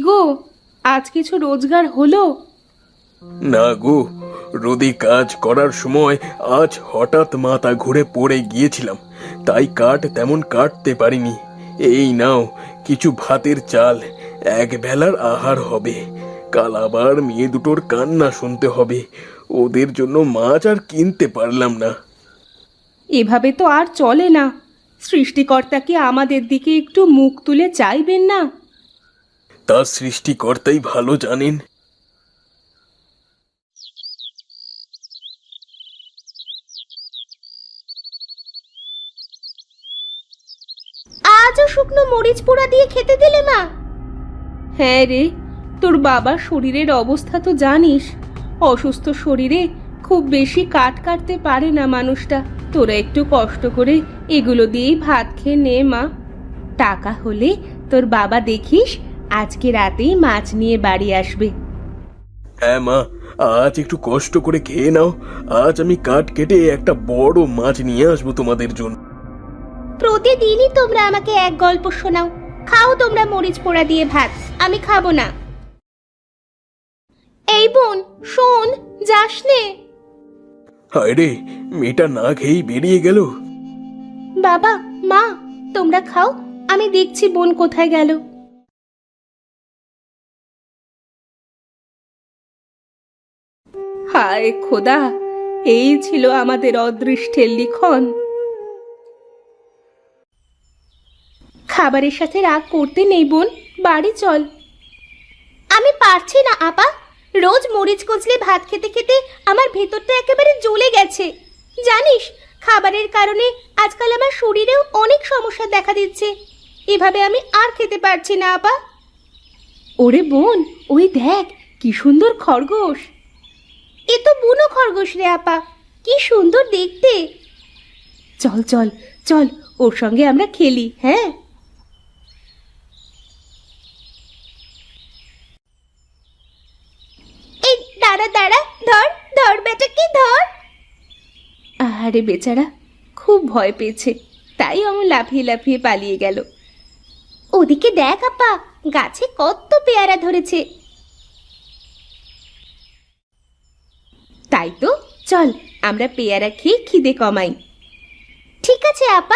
গো, আজ কিছু রোজগার হলো? না গো, রোদে কাজ করার সময় আজ হঠাৎ মাথা ঘুরে পড়ে গিয়েছিলাম, তাই কাঠ তেমন কাটতে পারিনি। এই নাও কিছু ভাতের চাল, এক বেলার আহার হবে। কাল আবার মেয়ে দুটোর কান্না শুনতে হবে, ওদের জন্য মাছ আর কিনতে পারলাম না। এভাবে তো আর চলে না। সৃষ্টিকর্তা কি আমাদের দিকে একটু মুখ তুলে চাইবেন না? তা সৃষ্টিকর্তাই ভালো জানেন। আজও শুকনো মরিচ পোড়া দিয়ে খেতে দিলে মা? হ্যাঁ রে, তোর বাবার শরীরের অবস্থা তো জানিস। অসুস্থ শরীরে খুব বেশি কাট কাটতে পারে না মানুষটা। তোরা একটু কষ্ট করে এগুলো দিয়েই ভাত খেয়ে নে মা। টাকা হলে তোর বাবা দেখিস আজকে রাতেই মাছ নিয়ে বাড়ি আসবে। হ্যাঁ মা, আজ একটু কষ্ট করে খেয়ে নাও। আজ আমি কাঠ কেটে একটা বড় মাছ নিয়ে আসবো তোমাদের জন্য। প্রতিদিনই তোমরা আমাকে এক গল্প শোনাও। খাও তোমরা মরিচ পোড়া দিয়ে ভাত, আমি খাবো না। এই বোন শোন, যাস নে। হায় রে, মেয়েটা না খেয়েই বেরিয়ে গেল। বাবা মা, তোমরা খাও, আমি দেখছি বোন কোথায় গেল। হায় খোদা, এই ছিল আমাদের অদৃষ্টের লিখন। খাবারের সাথে রাগ করতে নেই বোন, বাড়ি চল। আমি পারছি না আপা, রোজ মরিচ কচলে ভাত খেতে খেতে আমার ভেতরটা একেবারে জ্বলে গেছে। জানিস, খাবারের কারণে আজকাল আমার শরীরেও অনেক সমস্যা দেখা দিচ্ছে। এভাবে আমি আর খেতে পারছি না আপা। ওরে বোন, ওই দেখ কি সুন্দর খরগোশ। এ তো বুনো খরগোশ রে আপা, কি সুন্দর দেখতে। চল চল চল, ওর সঙ্গে আমরা খেলি। হ্যাঁ, এই দাঁড়া দাঁড়া, ধর ধর বেটাকে ধর। আরে বেচারা খুব ভয় পেয়েছে, তাই আমার লাফিয়ে লাফিয়ে পালিয়ে গেল। ওদিকে দেখ আপা, গাছে কত পেয়ারা ধরেছে। তাই তো, চল আমরা পেয়ারা খেয়ে খিদে কমাই। ঠিক আছে আপা।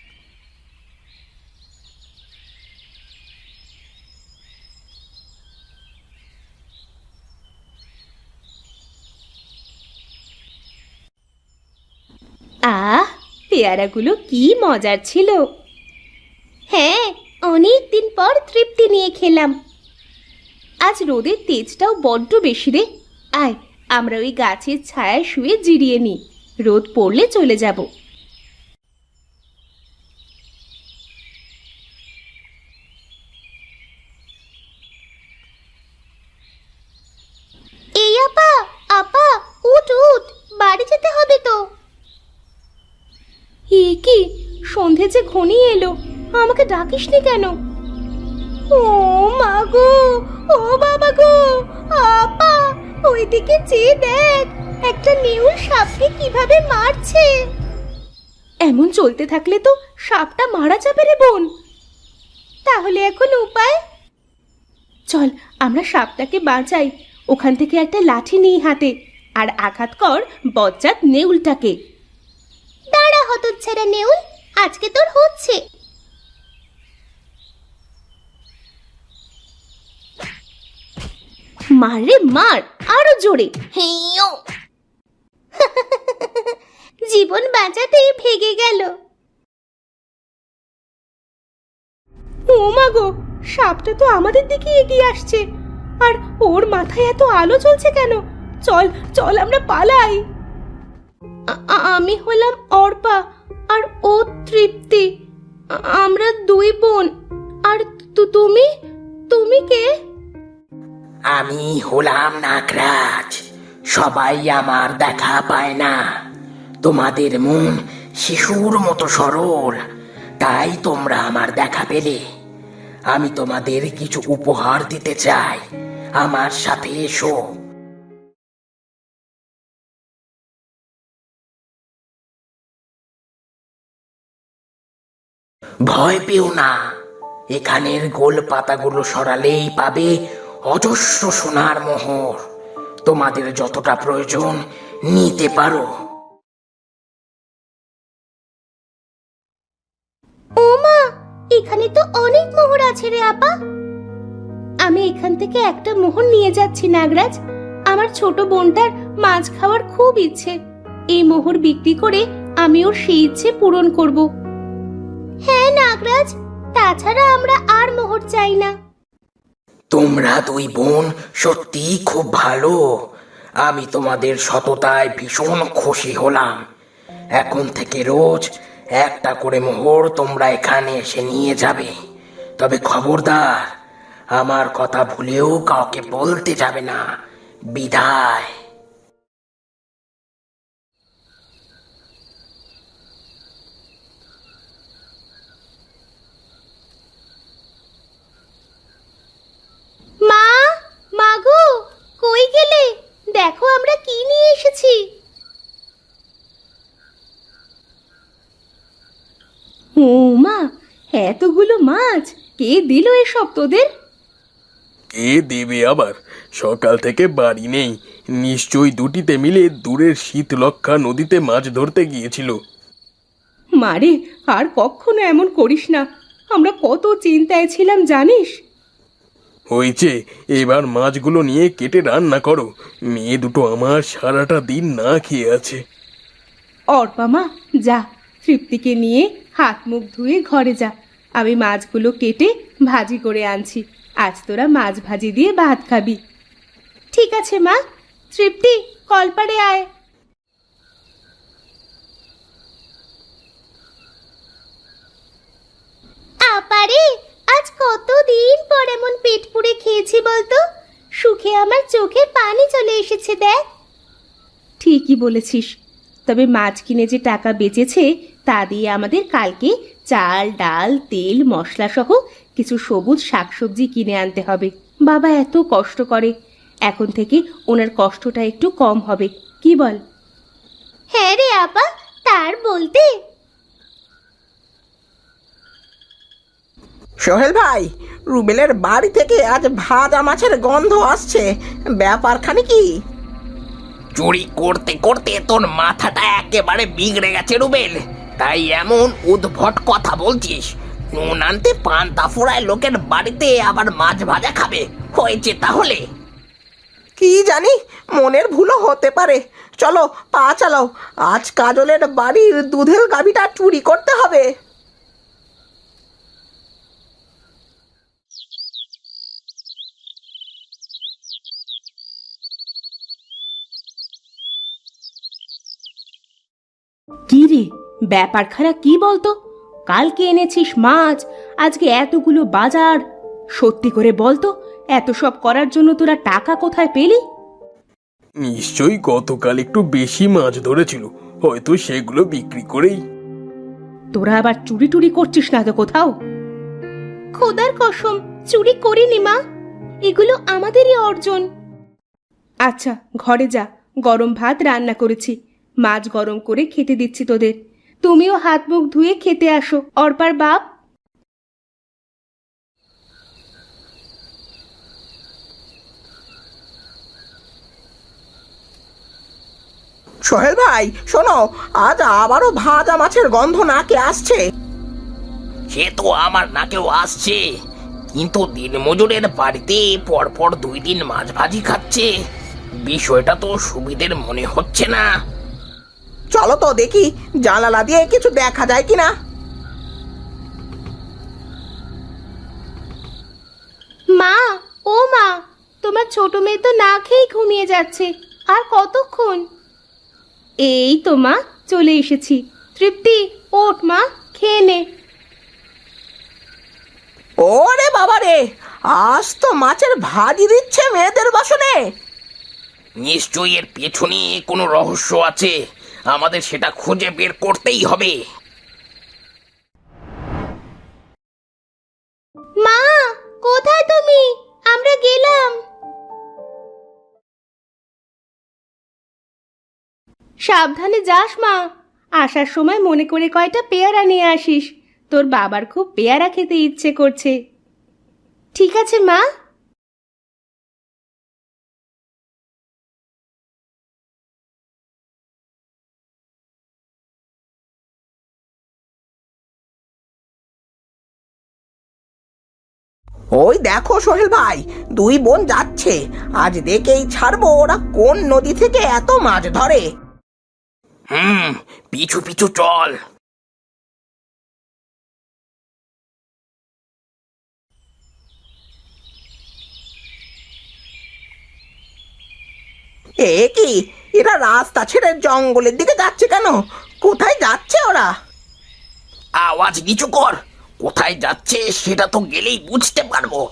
আহ, পেয়ারাগুলো কি মজার ছিল। হ্যাঁ, অনেক দিন পর তৃপ্তি নিয়ে খেলাম। আজ রোদের তেজটাও বড্ড বেশি রে। আয়, আমরা ওই গাছের ছায়ায় শুয়ে জিরিয়ে নিই, রোদ পড়লে চলে যাব। এই আপা, আপা উঠ উঠ, বাড়ি যেতে হবে তো। এ কি, সন্ধে যে ঘনিয়ে এলো, আমাকে ডাকিসনি কেন? ও মা গো, ও বাবা গো, আপা ওইদিকে চেয়ে দেখ, একটা নেউল সাপকে কিভাবে মারছে। এমন চলতে থাকলে তো সাপটা মারা যাবে রে বোন। তাহলে এখন উপায়? চল আমরা সাপটাকে বাঁচাই। ওখান থেকে একটা লাঠি নিই হাতে, আর আঘাত কর বজ্জাত নেউলটাকে। দাঁড়া হতচ্ছাড়া নেউল, আজকে তোর হচ্ছে। মার রে মার, আরো জোরে। হেইয়ো। জীবন বাঁচাতেই ভেগে গেল। ও মা গো, সাপটা তো আমাদের দিকে এগিয়ে আসছে, আর ওর মাথায় এত আলো জ্বলছে কেন? চল চল আমরা পালাই। আমি হলাম অর্পা, আর ও তৃপ্তি। আমরা দুই বোন। আর তুমি তুমি কে? আমি হলাম নাগরাজ। সবাই আমার দেখা পায় না। তোমাদের মন শিশুর মতো সরল, তাই তোমরা আমার দেখা পেলে। আমি তোমাদের কিছু উপহার দিতে চাই, আমার সাথে এসো। ভয় পেও না, এখানের গোল পাতাগুলো সরালেই পাবে অজস্র সোনার মোহর। তোমাদের যতটা প্রয়োজন নিতে পারো। ও মা, এখানে তো অনেক মোহর আছে রে আপা। আমি এখান থেকে একটা মোহর নিয়ে যাচ্ছি নাগরাজ। আমার ছোট বোনটার মাছ খাওয়ার খুব ইচ্ছে। এই মোহর বিক্রি করে আমি ওর সেই ইচ্ছে পূরণ করব। হ্যাঁ নাগরাজ, তাছাড়া আমরা আর মোহর চাই না। তোমরা দুই বোন সত্যি খুব ভালো। আমি তোমাদের সততায় ভীষণ খুশি হলাম। এখন থেকে রোজ একটা করে মোহর তোমরা এখানে এসে নিয়ে যাবে। তবে খবরদার, আমার কথা ভুলেও কাউকে বলতে যাবে না। বিদায়। মা, মাগো, কই গেলে? দেখো আমরা কি নিয়ে এসেছি। ও মা, এতগুলো মাছ কে দিল এসব তোদের? কে দেবে আবার? সকাল থেকে বাড়ি নেই, নিশ্চয়ই দুটিতে মিলে দূরের শীতলক্ষা নদীতে মাছ ধরতে গিয়েছিল। মারে, আর কখনো এমন করিস না। আমরা কত চিন্তায় ছিলাম জানিস। হয়েছে, এবার মাছগুলো নিয়ে কেটে রান্না করো। মেয়ে দুটো আমার সারাটা দিন না খেয়ে আছে। অর্পা মা, যা, তৃপ্তিকে নিয়ে হাত মুখ ধুয়ে ঘরে যা। আমি মাছগুলো কেটে ভাজি করে আনছি। আজ তোরা মাছ ভাজি দিয়ে ভাত খাবি। ঠিক আছে মা। তৃপ্তি, কলপাড়ে আয়। আপারে, আজ কতদিন পর এমন পেট পুড়ে খেয়েছি বলতো। সুখে আমার চোখে পানি চলে এসেছে দেখ। ঠিকই বলেছিস। তবে মাছ কিনে যে টাকা বেঁচেছে তা দিয়ে আমাদের কালকে চাল, ডাল, তেল, মশলা সহ কিছু সবুজ শাকসবজি কিনে আনতে হবে। বাবা এত কষ্ট করে, এখন থেকে ওনার কষ্টটা একটু কম হবে, কি বল? হ্যাঁ রে আপা, তার বলতে। সোহেল ভাই, রুবেলের বাড়ি থেকে আজ ভাজা মাছের গন্ধ আসছে। ব্যাপারখানে কি? চুরি করতে করতে তোর মাথাটা একেবারে বিগড়ে গেছে রুবেল, তাই এমন উদ্ভট কথা বলছিস। নুন আনতে পান্তা ফোড়ায় লোকের বাড়িতে আবার মাছ ভাজা খাবে হয়েছে তাহলে? কি জানি, মনের ভুলও হতে পারে। চলো, পা চালাও। আজ কাজলের বাড়ির দুধের গাভীটা চুরি করতে হবে। কি রে, ব্যাপারখানা কি বলতো? কালকে এনেছিস মাছ, আজকে এতগুলো বাজার। সত্যি করে বলতো, এত সব করার জন্য তোরা টাকা কোথায় পেলি? নিশ্চয়ই গতকাল একটু বেশি মাছ ধরেছিল, হয়তো সেগুলো বিক্রি করেই। তোরা আবার চুরি টুরি করছিস না তো কোথাও? খোদার কসম, চুরি করিনি মা, এগুলো আমাদেরই অর্জন। আচ্ছা, ঘরে যা, গরম ভাত রান্না করেছি, মাছ গরম করে খেতে দিচ্ছি তোদের। তুমিও হাত মুখ ধুয়ে খেতে আসো, অর্পার বাপ। সোহেল ভাই শোনো, আজ আবারও ভাজা মাছের গন্ধ নাকে আসছে। সে তো আমার নাকেও আসছে, কিন্তু দিনমজুরের বাড়িতে পরপর 2 দিন মাছ ভাজি খাচ্ছে। বিষয়টা তো সুবিধের মনে হচ্ছে না। চলো তো দেখি, জানালা দিয়ে কিছু দেখা যায় কিনা। মা, ও মা, তোমার ছোট মেয়ে তো না খেয়ে ঘুমিয়ে যাচ্ছে। আর কতক্ষণ? এই তো মা, চলে এসেছি। তৃপ্তি, ওঠ মা, খেয়ে নে। ওরে বাবা রে, আজ তো মাছের ভাজি দিচ্ছে মেয়েদের বাসনে। নিশ্চয়ই এর পেছনে কোনো রহস্য আছে, আমাদের সেটা খুঁজে বের করতেই হবে। মা, কোথায় তুমি? আমরা গেলাম। সাবধানে যাস মা, আসার সময় মনে করে কয়টা পেয়ারা নিয়ে আসিস। তোর বাবার খুব পেয়ারা খেতে ইচ্ছে করছে। ঠিক আছে মা। ওই দেখো সোহেল ভাই, দুই বোন যাচ্ছে। আজ দেখেই ছাড়বো ওরা কোন নদী থেকে এত মাছ ধরে। পিছু পিছু চল। এ কি, এরা রাস্তা ছেড়ে জঙ্গলের দিকে যাচ্ছে কেন? কোথায় যাচ্ছে ওরা? আওয়াজ নিচু কর, কোথায় যাচ্ছে সেটা তো গেলেই বুঝতে পারবো।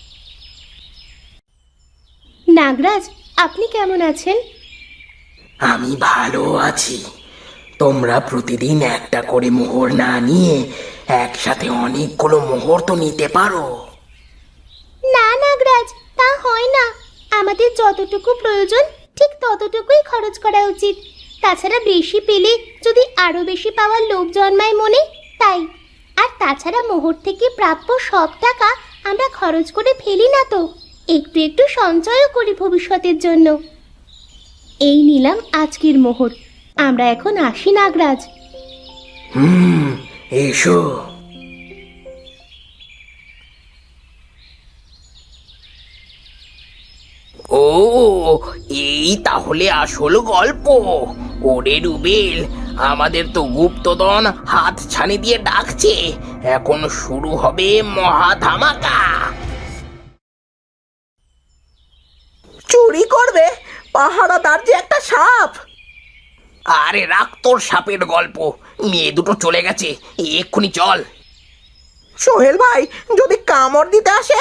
নাগরাজ, আপনি কেমন আছেন? আমি ভালো আছি। তোমরা প্রতিদিন একটা করে মোহর না নিয়ে একসাথে অনেকগুলো মোহর তো নিতে পারো। না নাগরাজ, তা হয় না। আমাদের যতটুকু প্রয়োজন ঠিক ততটুকুই খরচ করা উচিত। তাছাড়া বেশি পেলে যদি আরো বেশি পাওয়ার লোভ জন্মায় মনে, তাই। আর তাছাড়া মোহর থেকে প্রাপ্য সব টাকা আমরা খরচ করে ফেলি না তো, একটু একটু সঞ্চয়ও করি ভবিষ্যতের জন্য। এই নিলাম আজকের মোহর। আমরা এখন আসি নাগরাজ। এসো। ও, এই তাহলে আসল গল্প। ওরে রুবেল, আমাদের তো গুপ্তধন হাত ছানি দিয়ে ডাকছে। এখন শুরু হবে মহা ধামাকা। চুরি করবে? পাহারাদার যে একটা সাপ। আরে রাখ তোর সাপের গল্প, মেয়ে দুটো চলে গেছে, এক্ষুনি চল। সোহেল ভাই, যদি কামড় দিতে আসে?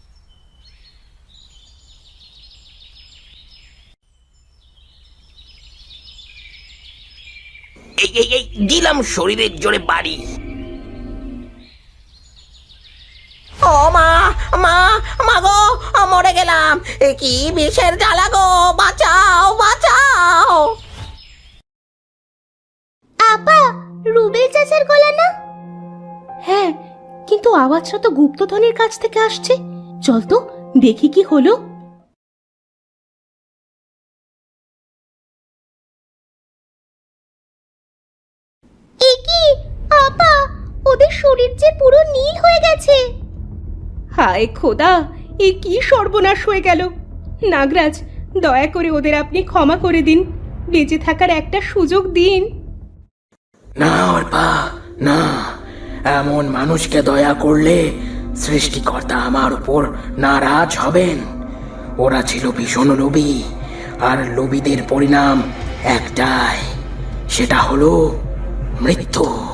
এই এই এই দিলাম শরীরের জোরে বাড়ি। ও মা, মা, মা গো, মরে গেলাম। এ কি বিষের জ্বালা গো, বাঁচাও, বাঁচাও। আপা, রুবেল চাচার গলা না? হ্যাঁ, কিন্তু আওয়াজটা তো গুপ্তধনের কাছ থেকে আসছে। চল তো দেখি কি হলো। এ কি আপা, ওদের শরীর যে পুরো নীল হয়ে গেছে। হায় খোদা, এ কি সর্বনাশ হয়ে গেল। নাগরাজ, দয়া করে ওদের আপনি ক্ষমা করে দিন, বেঁচে থাকার একটা সুযোগ দিন। না অর্পা, না, এমন মানুষকে দয়া করলে সৃষ্টিকর্তা আমার উপর নারাজ হবেন। ওরা ছিল ভীষণ লোভী, আর লোভীদের পরিণাম একটাই, সেটা হলো মৃত্যু।